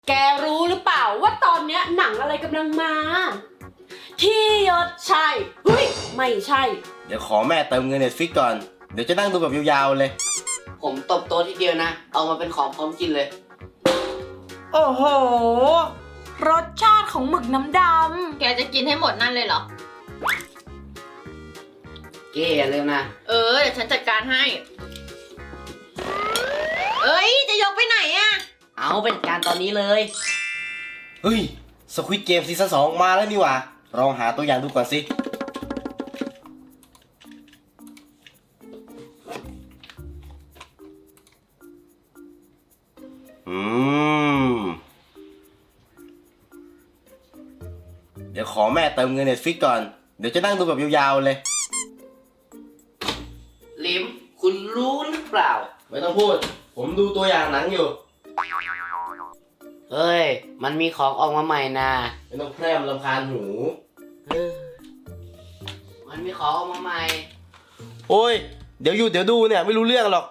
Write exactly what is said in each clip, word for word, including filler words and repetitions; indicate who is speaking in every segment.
Speaker 1: แกรู้หรือเปล่าว่าตอนเนี้ยหนังอะไรกำลังมา ที่ยศใช่เฮ้ยไม่ใช่
Speaker 2: เดี๋ยวขอแม่เติมเงินเน็ตฟิกก่อน เดี๋ยวจะนั่งดูแบบยาวๆเลย
Speaker 3: ผมตบโต๊ะทีเดียวนะ เอามาเป็นของพร้อมกินเลย
Speaker 1: โอ้โห รสชาติของหมึกน้ำด
Speaker 4: แกจะกินให้หมดนั่นเลยเหรอ
Speaker 3: เก้อย่าลืมนะ
Speaker 4: เออ เดี๋ยวฉันจัดการให้ เอ้ย จะยกไปไหนอะ
Speaker 3: เอาเป็นการตอนนี้เลย
Speaker 2: เฮ้ยสควิดเกมซีซั่นสองมาแล้วนี่หว่าลองหาตัวอย่างดูก่อนสิ อืม เดี๋ยวขอแม่เติมเงินเน็ตฟิกก่อน เดี๋ยวจะนั่งดูแบบยาวๆเลย
Speaker 3: ลิม คุณรู้หรือเปล่า
Speaker 2: ไม่ต้องพูด ผมดูตัวอย่างหนังอยู่
Speaker 3: เฮ้ย มันมีของออกมาใหม่นะ
Speaker 2: ไม่ต้องแพร่มรำคาญหู
Speaker 3: เออมันมีของออกมาใหม่
Speaker 2: โอ้ย เดี๋ยวอยู่เดี๋ยวดูเนี่ยไม่รู้เรื่องหรอก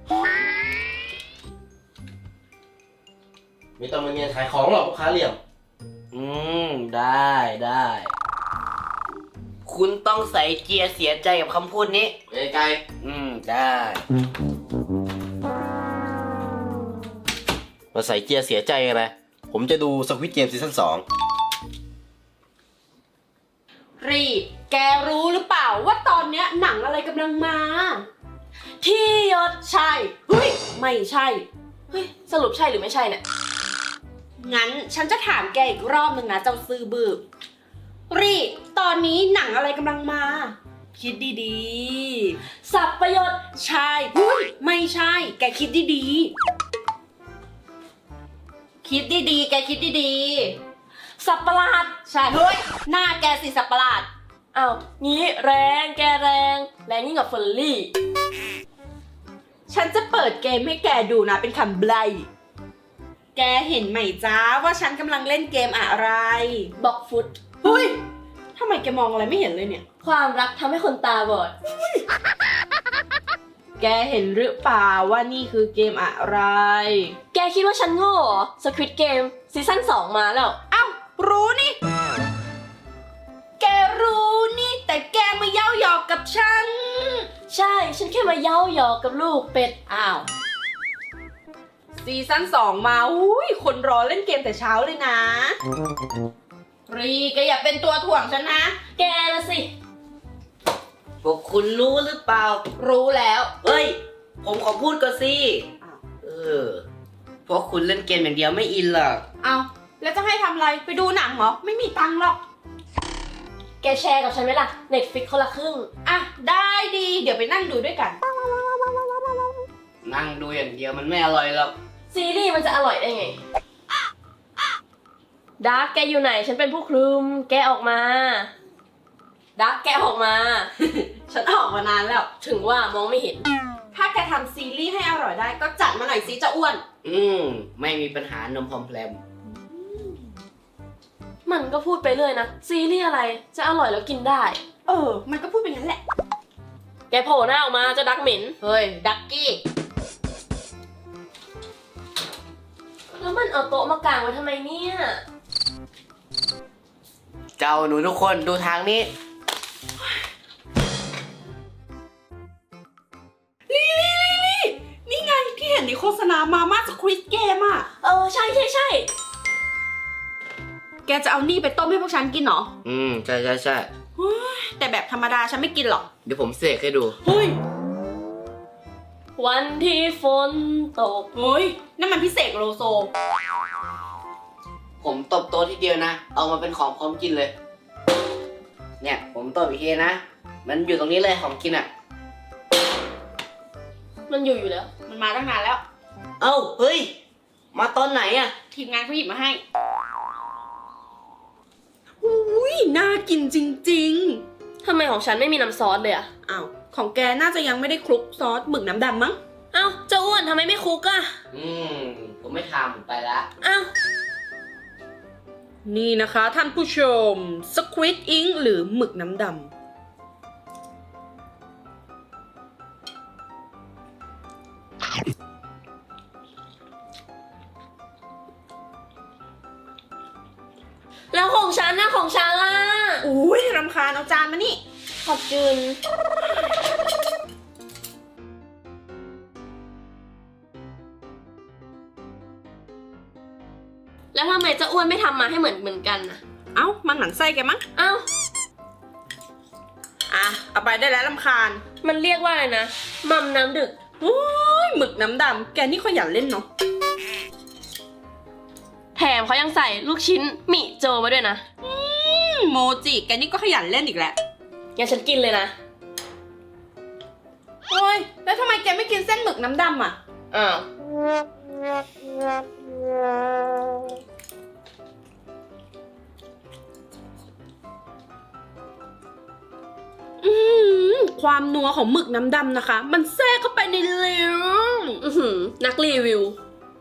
Speaker 2: ไม่ต้องมาเงียนขายของหรอกลูกค้าเหลี่ยม
Speaker 3: อืม ได้ได้ คุณต้องใส่เกียร์เสียใจกับคำพูดนี้
Speaker 2: ไกล
Speaker 3: อืม ได้
Speaker 2: ๆมาใส่เกียร์เสียใจอะไร ผมจะดูสควิดเกมซีซั่นสอง
Speaker 1: ำรีแกรู้หรือเปล่าว่าตอนเนี้ยหนังอะไรกำลังมา ที่ยศใช่เฮ้ยไม่ใช่
Speaker 4: เฮ้ย สรุปใช่หรือไม่ใช่เนี่ย
Speaker 1: งั้นฉันจะถามแกอีกรอบหนึ่งนะเจ้าซื่อบือรีตอนนี้หนังอะไรกำลังมา คิดดีๆ สับประโยชน์ใช่หุ้ยไม่ใช่ แกคิดดีๆ คิดดีๆ แกคิดดีๆ สับประหลาดใช่เฮ้ยหน้าแกสิสับประหลาด
Speaker 4: อ้าว งี้แรงแกแรง แรงยิ่งกว่าเฟอร์รี่
Speaker 1: ฉันจะเปิดเกมให้แกดูนะเป็นคำไบลแกเห็นไหมจ้าว่าฉันกำลังเล่นเกมอะไร
Speaker 4: บอกฟุต
Speaker 1: เฮ้ยทำไมแกมองอะไรไม่เห็นเลยเนี่ย
Speaker 4: ความรักทำให้คนตาบอด
Speaker 1: แกเห็นหรือเปล่าว่านี่คือเกมอะไร
Speaker 4: แกคิดว่าฉันโง่เหรอ สควิดเกมซีซั่นสองมาแล้ว
Speaker 1: เอ้า รู้นี่ แกรู้นี่ แต่แกมาเย้าหยอกกับฉัน
Speaker 4: ใช่ ฉันแค่มาเย้าหยอกกับลูกเป็ด
Speaker 1: อ้าว ซีซั่นสองมา อุ้ย คนรอเล่นเกมแต่เช้าเลยนะ รีแกอย่าเป็นตัวถ่วงฉันนะ
Speaker 4: แกนะสิ
Speaker 3: พวกคุณรู้หรือเปล่า
Speaker 1: รู้แล้ว
Speaker 3: เฮ้ย ผมขอพูดก่อนสิ
Speaker 1: อ้าว
Speaker 3: เออ พวกคุณเล่นเกมอย่างเดียวไม่อินหรอก
Speaker 1: เอาแล้วจะให้ทำอะไร ไปดูหนังเหรอ ไม่มีตังค์หรอก
Speaker 4: แกแชร์กับฉันไหมล่ะ เน็ตฟิกคนละครึ่ง
Speaker 1: อ่ะ ได้ดี เดี๋ยวไปนั่งดูด้วยกัน
Speaker 3: นั่งดูอย่างเดียวมันไม่อร่อยหรอก
Speaker 4: ซีรีส์มันจะอร่อยได้ไง ดาร์กแกอยู่ไหน ฉันเป็นผู้คลุม แกออกมา ดาร์กแกออกมา
Speaker 1: ฉันออกมานานแล้ว
Speaker 4: ถึงว่ามองไม่เห็น
Speaker 1: ถ้าแกทำซีรีส์ให้อร่อยได้ก็จัดมาหน่อยสิเจะอ้วน
Speaker 3: อืม ไม่มีปัญหานมพอมแพลม
Speaker 4: มันก็พูดไปเรื่อยนะ ซีรีส์อะไร จะอร่อยแล้วกินได้
Speaker 1: เออ มันก็พูดเป็นงั้นแหละ
Speaker 4: แกโผล่หน้าออกมาเจะดักเหม็น
Speaker 1: เฮ้ย ดักกี้
Speaker 4: แล้วมันเอาโต๊ะมากางไว้ทำไมเนี่ย
Speaker 3: เจ้าหนูทุกคนดูทางนี้
Speaker 1: ลี่ลี่ลี่ลี่นี่ไงที่เห็นในโฆษณามาม่าสควิดเกมอ่ะ
Speaker 4: เออ ใช่ใช่ใช่
Speaker 1: แกจะเอานี่ไปต้มให้พวกฉันกินเหรอ
Speaker 3: อืม ใช่ใช่ใช่
Speaker 1: แต่แบบธรรมดาฉันไม่กินหรอก
Speaker 3: เดี๋ยวผมเสกให้ดู
Speaker 1: เฮ้ย
Speaker 4: วันที่ฝนตก
Speaker 1: เฮ้ย นั่นมันพิเศษโลโซ
Speaker 3: ผมตบโต๊ะทีเดียวนะ เอามาเป็นของพร้อมกินเลย เนี่ย ผมตบอีกทีนะ มันอยู่ตรงนี้เลยของกินอ่ะ
Speaker 4: มันอยู่อยู่แล้ว
Speaker 1: มันมาตั้งนานแล้ว
Speaker 3: เอ้า เฮ้ย มาตอนไหนอ่ะ
Speaker 1: ทีมงานเขาหยิบมาให้อุ้ยน่ากินจริง
Speaker 4: ทำไมของฉันไม่มีน้ำซอสเลยอะ
Speaker 1: ๆ อ้าว ของแกน่าจะยังไม่ได้คลุกซอสหมึกน้ำดำมั้ง
Speaker 4: เอ้าเจ้าอ้วนทำไมไม่คุกอะ
Speaker 3: อืม ผมไม่ทำไปละ
Speaker 4: เอ้า
Speaker 1: นี่นะคะท่านผู้ชม Squid Ink หรือหมึกน้ำดำ
Speaker 4: แล้วของฉันนะของฉันล่ะ
Speaker 1: อุ้ยรำคาญเอาจานมานี่
Speaker 4: ขอบจุนแล้วทำไมเจ้าอ้วนไม่ทำมาให้เหมือนเหมือนกันน่ะ
Speaker 1: เอ้ามันหมั่นไส้แกมั้ง
Speaker 4: เอ้า
Speaker 1: อ่ะเอาไปได้แล้วรำคาญ
Speaker 4: มันเรียกว่าอะไรนะมัมน้ำดึก
Speaker 1: โอ้ยหมึกน้ำดำแกนี่ขยันเล่นเนาะ
Speaker 4: แถมเขายังใส่ลูกชิ้นหมี่โจมาด้วยนะ
Speaker 1: อืมโมจิแกนี่ก็ขยันเล่นอีกแหละ
Speaker 4: งั้นฉันกินเลยนะ
Speaker 1: โอ้ยแล้วทำไมแกไม่กินเส้นหมึกน้ำดำอ่ะ
Speaker 4: อ้าว
Speaker 1: อืมความนัวของหมึกน้ำดำนะคะ มันแทรกเข้าไปในลิ้น
Speaker 4: อือหือนักรีวิว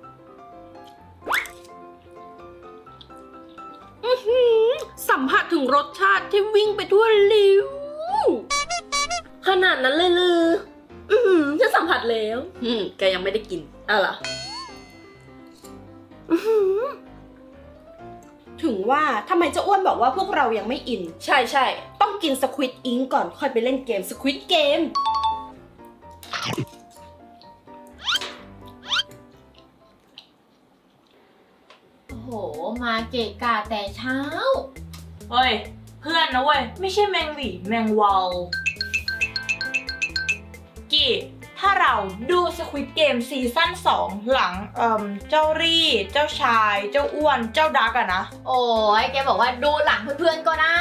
Speaker 1: อื้อหือสัมผัสถึงรสชาติที่วิ่งไปทั่วลิ้ว
Speaker 4: ขนาดนั้นเลยลือ อือหือฉันสัมผัสแล้ว
Speaker 1: อืมแกยังไม่ได้กิน
Speaker 4: อ่ะเหรอ
Speaker 1: ถึงว่าทำไมเจ้าอ้วนบอกว่าพวกเรายังไม่อิน
Speaker 4: ใช่ใช่
Speaker 1: ต้องกินสควิตอิงก่อนค่อยไปเล่นเกมสควิตเกม
Speaker 5: โอ้โห มาเกะกะแต่เช้า
Speaker 6: เฮ้ย เพื่อนนะเว้ย ไม่ใช่แมงหวีแมงวาวกี่ถ้าเราดูสควิดเกมซีซั่นสองหลังเอ่มเจ้ารี่ เจ้าชาย เจ้าอ้วน เจ้าดักอะนะ
Speaker 5: โอ้ยแกบอกว่าดูหลังเพื่อนๆก็ได้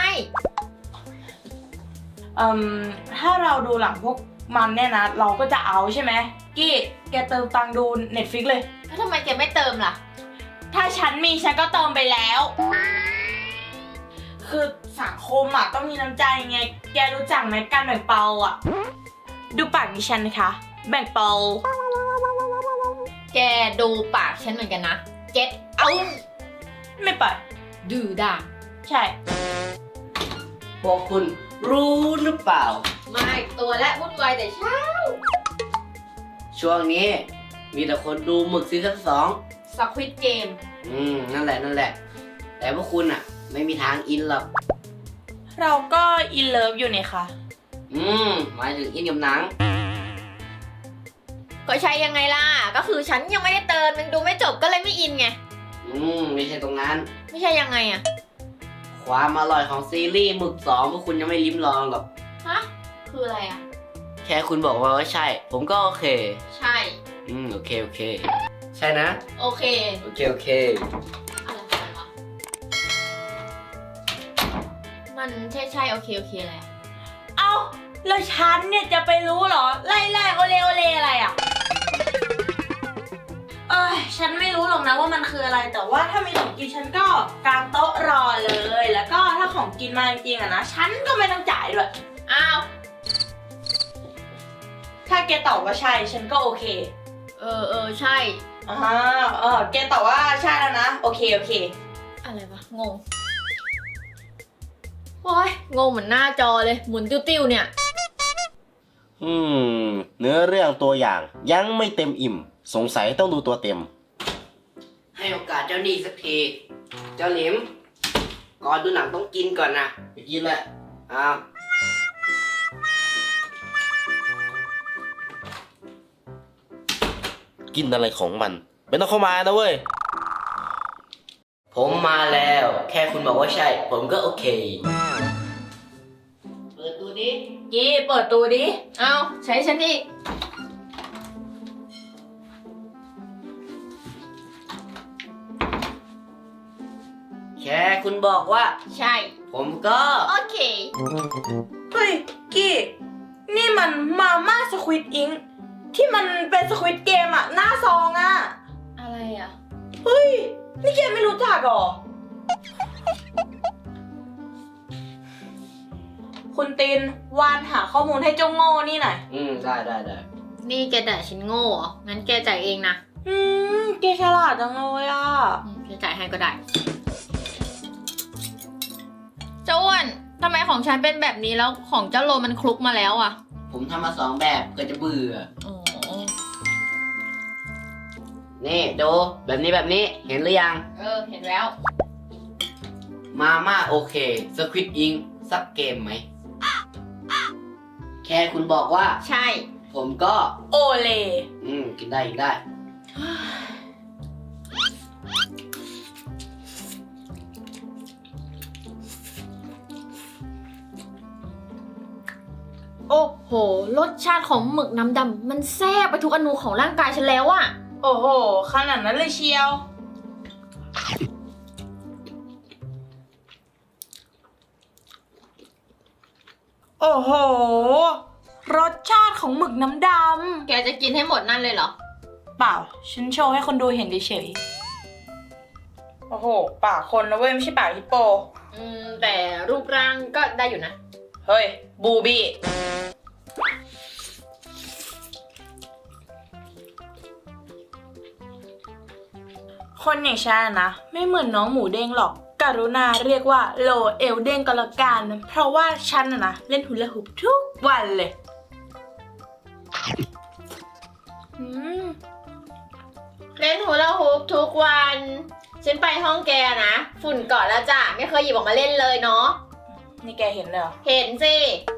Speaker 6: เอ่มถ้าเราดูหลังพวกมันเนี่ยนะ เราก็จะเอาใช่ไหมกี่แกเติมตังค์ดู Netflix เลย
Speaker 5: แล้วทำไมแกไม่เติมล่ะ
Speaker 6: ถ้าฉันมีฉันก็เติมไปแล้ว คือสังคมอ่ะต้องมีน้ำใจไง แกรู้จักไหมการแบ่งเปาอ่ะ ดูปากดิฉันนะคะ แบ่งเปา
Speaker 5: แกดูปากฉันเหมือนกันนะ เก็ตเอา
Speaker 6: ไม่ไป
Speaker 5: ดื้อด่า
Speaker 6: ใช่
Speaker 3: พวกคุณรู้หรือเปล่า
Speaker 5: ไม่ตัวและวุ่นวายแต่เช้า
Speaker 3: ช่วงนี้มีแต่คนดูหมึกซีซั่นสอง
Speaker 5: สควิตเกม
Speaker 3: อืม นั่นแหละนั่นแหละ แต่พวกคุณอ่ะ ไม่มีทางอินหรอก
Speaker 6: เราก็อินเลิฟอยู่นี่ค่ะ
Speaker 3: อืม หมายถึงอินกับหนัง
Speaker 5: ก็ใช่ยังไงล่ะ ก็คือฉันยังไม่ได้เติมยังดูไม่จบก็เลยไม่อินไง
Speaker 3: อืม ไม่ใช่ตรงนั้น
Speaker 5: ไม่ใช่ยังไงอะ
Speaker 3: ความอร่อยของซีรีส์หมึกสองพวกคุณยังไม่ลิ้มลองหรอก
Speaker 5: ฮะ คืออะไรอะ
Speaker 3: แค่คุณบอกว่าว่าใช่ ผมก็โอเค
Speaker 5: ใช่
Speaker 3: อืม โอเค โอเค ใช่นะ
Speaker 5: โอเค
Speaker 3: โอเค โอเค
Speaker 5: อะไรของมันวะมันใช่ใช่โอเคโอเคอะไรอะ
Speaker 6: เอ้า แล้วฉันเนี่ยจะไปรู้เหรอ ไล่ไล่โอเลโอเลอะไรอ่ะ เอ้ย ฉันไม่รู้หรอกนะว่ามันคืออะไร แต่ว่าถ้ามีของกินฉันก็กางโต๊ะรอเลย แล้วก็ถ้าของกินมาจริงๆอะนะ ฉันก็ไม่ต้องจ่ายด้วย
Speaker 5: อ้าว
Speaker 6: ถ้าแกตอบว่าใช่ ฉันก็โอเค
Speaker 5: เออเออใช่
Speaker 6: อ่าเออแกตอบว่าใช่แล้วนะ โอเค โอเค
Speaker 5: อะไรวะ งง โอ้ย งงเหมือนหน้าจอเลย หมุนติ้วๆเนี่ย
Speaker 2: อืม เนื้อเรื่องตัวอย่างยังไม่เต็มอิ่ม สงสัยต้องดูตัวเต็ม
Speaker 3: ให้โอกาสเจ้านี่สักที เจ้าหลิม ก่อนดูหนังต้องกินก่อนนะไปกินแหละอ้าว
Speaker 2: กินอะไรของมันไม่ต้องเข้ามานะเว้ย
Speaker 3: ผมมาแล้ว แค่คุณบอกว่าใช่ ผมก็โอเค เปิดตัวนี้
Speaker 6: กี้เปิดตัวดิ
Speaker 5: เอาใช้ฉันอีก
Speaker 3: แค่คุณบอกว่า
Speaker 5: ใช่
Speaker 3: ผมก็
Speaker 5: โอเค
Speaker 6: เฮ้ย กี้ นี่มันมาม่าสควิดอิงที่มันเป็นสควิดเกมอะหน้าซองอะ
Speaker 5: อะไรอ่ะ
Speaker 6: เฮ้ย นี่แกไม่รู้จักเหรอ คุณตินวานหาข้อมูลให้เจ้าโง่นี่หน่อย
Speaker 3: อืม ได้ได้ได้
Speaker 5: นี่แกด่าฉันโง่เหรอ งั้นแกจ่ายเองนะ
Speaker 6: อืมแกฉลาดจังเลยอ่ะ
Speaker 5: อืมแกจ่ายให้ก็ได้ เจ้าอ้วนทำไมของฉันเป็นแบบนี้แล้วของเจ้าโลมันคลุกมาแล้วอ่ะ
Speaker 3: ผมทำมาสองแบบเพื่อจะเบื่อ
Speaker 5: อ๋อ
Speaker 3: นี่ดูแบบนี้แบบนี้ เห็นหรือยัง
Speaker 5: เออ เห็นแล้ว
Speaker 3: มาม่าโอเคสควิดอิงสักเกมไหม แค่คุณบอกว่า
Speaker 5: ใช่
Speaker 3: ผมก็
Speaker 6: โอเล
Speaker 3: อืม กินได้กินได้
Speaker 5: โอ้โห รสชาติของหมึกน้ำดำมันแซ่บไปทุกอนูของร่างกายฉันแล้วอะ
Speaker 6: โอ้โห ขนาดนั้นเลยเชียว โอ้โห รสชาติของหมึกน้ำด
Speaker 5: แกจะกินให้หมดนั่นเลยเหรอ
Speaker 6: ำ เปล่า ฉันโชว์ให้คนดูเห็นเฉยๆ โอ้โห ปากคนนะเว้ย ไม่ใช่ปากฮิปโป
Speaker 5: อืม แต่รูปร่างก็ได้อยู่นะ
Speaker 6: เฮ้ย บูบี้ คนอย่างฉันนะ ไม่เหมือนน้องหมูเด้งหรอก กรุณาเรียกว่าโลเอลเด้งก็แล้วกัน เพราะว่าฉันนะนะเล่นฮูลาฮูปทุกวันเลยอืม
Speaker 5: เล่นฮูลาฮูปทุกวัน ฉันไปห้องแกนะ ฝุ่นเกาะแล้วจ้ะ ไม่เคยหยิบออกมาเล่นเลยเนาะ
Speaker 6: นี่แกเห็นเลยเหรอ
Speaker 5: เห็นสิ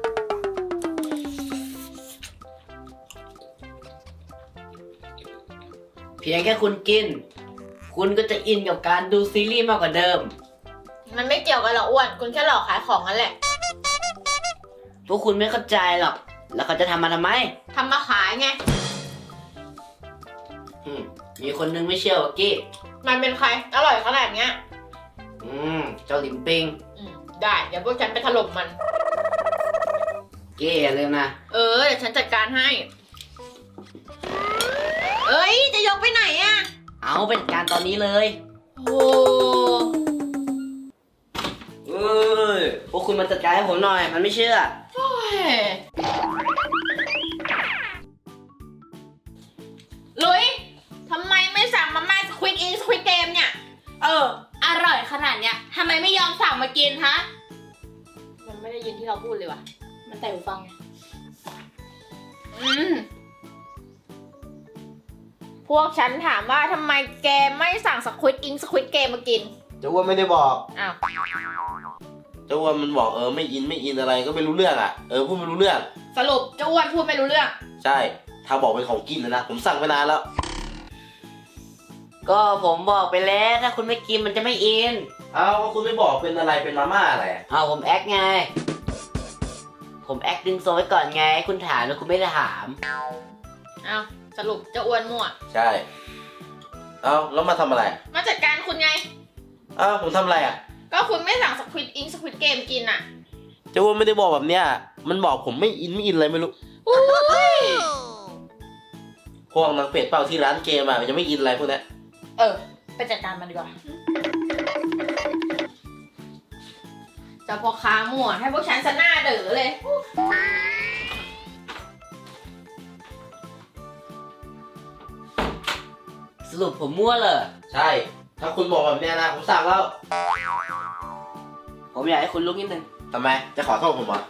Speaker 3: เพียงแค่คุณกิน คุณก็จะอินกับการดูซีรีส์มากกว่าเดิม
Speaker 5: มันไม่เกี่ยวกันหรอกอ้วน คุณแค่หลอกขายของนั่นแหละ
Speaker 3: พวกคุณไม่เข้าใจหรอก แล้วเขาจะทำมาทำไม
Speaker 5: ทำมาขายไง
Speaker 3: อืม มีคนนึงไม่เชื่อว่ากี้
Speaker 5: มันเป็นใคร อร่อยขนาดเนี้ย
Speaker 3: อืม เจ้าหลิมปิง
Speaker 5: อืม ได้ เดี๋ยวพวกฉันไปถล่มมัน
Speaker 3: กี้อย่าลืมนะ
Speaker 5: เออ เดี๋ยวฉันจัดการให้ เอ้ย จะยกไปไหนอะ
Speaker 3: เอาเป็นการตอนนี้เลย
Speaker 5: โอ้
Speaker 3: เอ้ย พวกคุณมาจัดการให้ผมหน่อย มันไม่เชื่อ
Speaker 5: ยลุยทำไมไม่สั่งมาม่าสควิดอินสควิดเกมเนี่ย
Speaker 6: เออ
Speaker 5: อร่อยขนาดเนี้ยทำไมไม่ยอมสั่งมากินฮะ มันไม่ได้ยินที่เราพูดเลยว่ะ
Speaker 6: มันแต่หูฟังไง
Speaker 5: อืม พวกฉันถามว่าทำไมแกไม่สั่งสควิดอิงสควิดเกมมากิน
Speaker 2: เจ้าอ้วนไม่ได้บอก
Speaker 5: อ้าว
Speaker 2: เจ้าอ้วนมันบอกเออไม่อินไม่อินอะไรก็ไม่รู้เรื่องอ่ะ เออพูดไม่รู้เรื่อง
Speaker 5: สรุปเจ้าอ้วนพูดไม่รู้เรื่อง
Speaker 2: ใช่ ถ้าบอกเป็นของกินนะนะ ผมสั่งไปนานแล้ว
Speaker 3: ก็ผมบอกไปแล้ว ถ้าคุณไม่กินมันจะไม่อิน
Speaker 2: เอาก็คุณไม่บอกเป็นอะไรเป็นมาม่าอะไรอะ
Speaker 3: เอาผมแอคไง ผมแอคดึงโซไว้ก่อนไง คุณถามแล้วคุณไม่ได้ถาม
Speaker 5: อ้าวสรุปเจ้าอ้วนมั่ว
Speaker 2: ใช่ เอาแล้วมาทำอะไร
Speaker 5: มาจัดการคุณไง
Speaker 2: อ้าวผมทำอะไรอ่ะ
Speaker 5: ก็คุณไม่สั่งสควิดอิงสควิดเกมกินอ่ะ
Speaker 2: เจ้าอ้วนไม่ได้บอกแบบเนี้ย มันบอกผมไม่อินไม่อินอะไรไม่รู้ พวกนักเป็ดเปล่าที่ร้านเกมอ่ะมันจะไม่อินอะไรพวกเนี้ย
Speaker 6: เออ ไปจัดการมันดีกว่า
Speaker 5: เจ้าพ่อค้ามั่วให้พวกฉันสะหน้าเด๋อเลย
Speaker 3: สรุปผมมั่วเลย
Speaker 2: ใช่ ถ้าคุณบอกแบบเนี้ยนะผมสั่งแล้ว
Speaker 3: ผมอยากให้คุณลุกนิดนึง
Speaker 2: ทำไม จะขอโทษผมเหรอ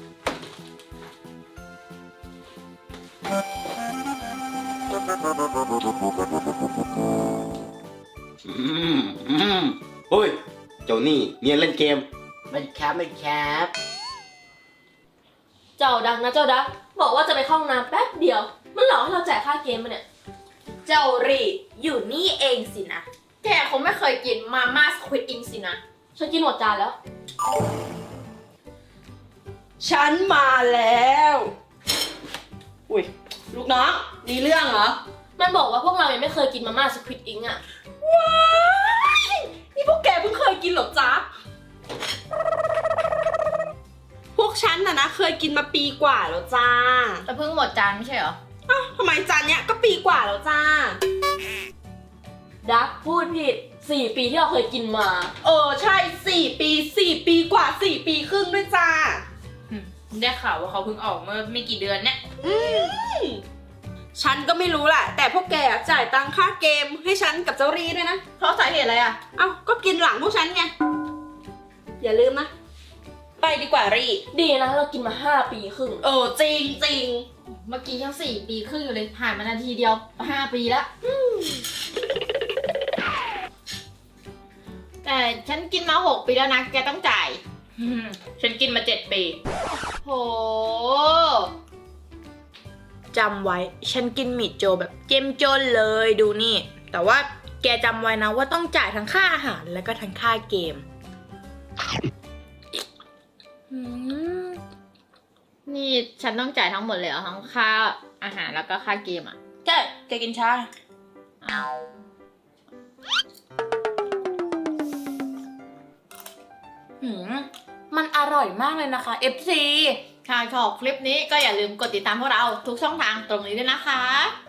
Speaker 2: อืมอืมเฮ้ย เจ้านี่เนียนเล่นเกม
Speaker 3: มันแคปมันแคป
Speaker 4: เจ้าดักนะเจ้าดัก บอกว่าจะไปเข้าห้องน้ำแป๊บเดียว มันหลอกให้เราจ่ายค่าเกมมาเนี่ย
Speaker 6: เจ้ารีอยู่นี่เองสินะ
Speaker 5: แกคงไม่เคยกินมาม่าสควิดอิงสินะ
Speaker 4: ฉันกินหมดจานแล้ว
Speaker 1: ฉันมาแล้ว อุ้ย ลูกน้อง มีเรื่องเหรอ
Speaker 4: มันบอกว่าพวกเรายังไม่เคยกินมาม่าสควิดอิงอ่ะ
Speaker 1: ว้ายนี่พวกแกเพิ่งเคยกินเหรอจ๊ะ พวกฉันน่ะนะเคยกินมาปีกว่าแล้วจ้า
Speaker 5: แต่เพิ่งหมดจานไม่ใช่เหรอ
Speaker 1: อ้าวทำไมจานเนี้ยก็ปีกว่าแล้วจ้า
Speaker 4: ดักพูดผิดสี่ปีที่เราเคยกินมา
Speaker 1: เออใช่สี่ปีสี่ปีกว่าสี่ปีครึ่งด้วยจ้า
Speaker 6: ได้ข่าวว่าเขาเพิ่งออกเมื่อไม่กี่เดือนเนี่ย
Speaker 1: อืมฉันก็ไม่รู้แหละแต่พวกแกอะจ่ายตังค่าเกมให้ฉันกับเจ้ารีด้วยนะ
Speaker 5: เพราะสาเหตุอะไรอ่ะ
Speaker 1: เอ้าก็กินหลังพวกฉันไง อย่าลืมนะ ไปดีกว่ารี
Speaker 4: ดีนะเรากินมาห้าปีครึ่ง
Speaker 1: เออจริงจริง
Speaker 5: เมื่อกี้ยังสี่ปีครึ่งอยู่เลย ผ่านมานาทีเดียวห้าปีแล้ว
Speaker 1: แก
Speaker 5: แต่ฉันกินมาหกปีแล้วนะ แกต้องจ่าย
Speaker 6: อืมฉันกินมาเจ็ดปี
Speaker 5: โห
Speaker 6: จำไว้ ฉันกินหมี่โจแบบเจ้มจนเลยดูนี่ แต่ว่าแกจำไว้นะว่าต้องจ่ายทั้งค่าอาหารแล้วก็ทั้งค่าเกมอืม
Speaker 5: นี่ฉันต้องจ่ายทั้งหมดเลยเหรอทั้งค่าอาหารแล้วก็ค่าเกมอ่ะ
Speaker 6: ใช่แกกินชา
Speaker 5: อ้าว
Speaker 6: หืมมันอร่อยมากเลยนะคะ เอฟ ซี
Speaker 5: ถ้าชอบคลิปนี้ก็อย่าลืมกดติดตามพวกเราทุกช่องทางตรงนี้ด้วยนะคะ